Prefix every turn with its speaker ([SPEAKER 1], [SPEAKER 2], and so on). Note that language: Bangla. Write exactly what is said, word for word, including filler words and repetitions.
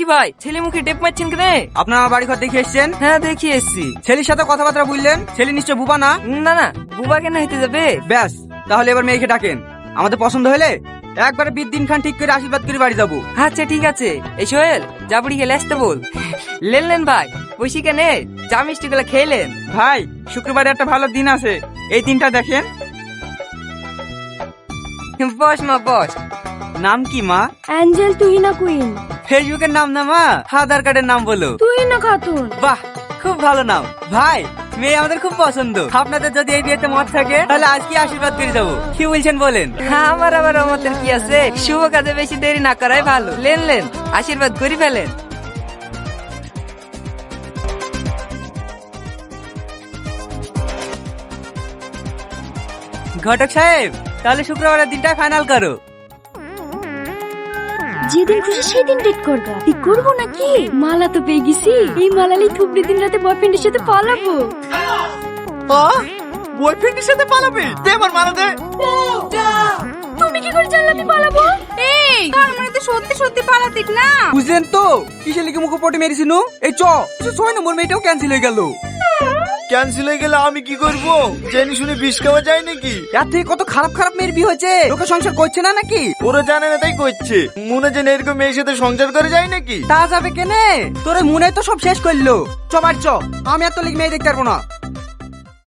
[SPEAKER 1] ভাই, ছেলে মুখে টেপ মারছেন কেন?
[SPEAKER 2] আপনার আমার বাড়ি ঘর দেখে এসছেন?
[SPEAKER 1] হ্যাঁ, দেখি এসছি।
[SPEAKER 2] ছেলের সাথে কথাবার্তা বললেন, ছেলে নিশ্চয় বুবা না?
[SPEAKER 1] না না, বুবা কেন হইতে যাবে?
[SPEAKER 2] ব্যাস, তাহলে এবার মেয়েকে ডাকেন। আমাদের পছন্দ হলে একবারে বিশ দিন খান ঠিক করে আশীর্বাদ করে বাড়ি যাবো।
[SPEAKER 1] আচ্ছা ঠিক আছে। এই সোহেল, জাবড়ি গেলে আসতে বল। লেন লেন ভাই, বসি কেন? চা মিষ্টি গুলা খেলেন?
[SPEAKER 2] ভাই, শুক্রবারে একটা ভালো দিন আছে, এই দিনটা দেখেন।
[SPEAKER 1] বস মা বস।
[SPEAKER 2] নাম কি মা?
[SPEAKER 3] Angel Tuhina queen.
[SPEAKER 2] ফেসবুকের নাম না মা, আধার কার্ডের নাম বলো।
[SPEAKER 3] তুহিনা খাতুন।
[SPEAKER 2] বাহ, খুব ভালো নাম। ভাই, মেয়ে আমাদের খুব পছন্দ। আপনাদের যদি এই বিয়েতে মত থাকে তাহলে আজকে আশীর্বাদ করে যাবো। কি বলছেন বলেন?
[SPEAKER 1] আমার আবার আমাদের কি আছে, শুভ কাজে বেশি দেরি না করাই ভালো। লেন লেন, আশীর্বাদ করি ফেলেন।
[SPEAKER 2] ঘটক সাহেব, তাহলে শুক্রবারের দিনটা ফাইনাল করো।
[SPEAKER 3] যেদিন খুশি সেদিন ডেট করবা। ঠিক করবো নাকি? মালা তো পেয়ে গেছি, এই মালালি থুবড়ি দিন রাতে বয়ফ্রেন্ডের সাথে পালাবো।
[SPEAKER 2] বয়ফ্রেন্ডের সাথে পালাবে? দে আমার মালা দে।
[SPEAKER 3] তুমি কি করে জানলে আমি পালাবো?
[SPEAKER 4] এই তার মানে তো সত্যি সত্যি পালাতিক না?
[SPEAKER 2] বুঝলেন তো কিসের লিখে মুখে পটে মেরেছিল? এই চ ছয় নম্বর মেয়েটাও ক্যান্সেল হয়ে গেল।
[SPEAKER 5] ক্যান্সেল হয়ে গেলে আমি কি করব? জেনে শুনে বিষ খাওয়া যায় নাকি?
[SPEAKER 2] এর থেকে কত খারাপ খারাপ মেয়ের বিয়ে হয়েছে, লোকে সংসার করছে না নাকি?
[SPEAKER 5] ওরা জানে না তাই করছে। মনে জেনে এরকম মেয়ের সাথে সংসার করে যায় নাকি?
[SPEAKER 2] তা যাবে কেনে? তোর মনে তো সব শেষ করলো। চ বাড়ি চ, আমি আর তো লিখ মেয়ে দেখতে পারবো না।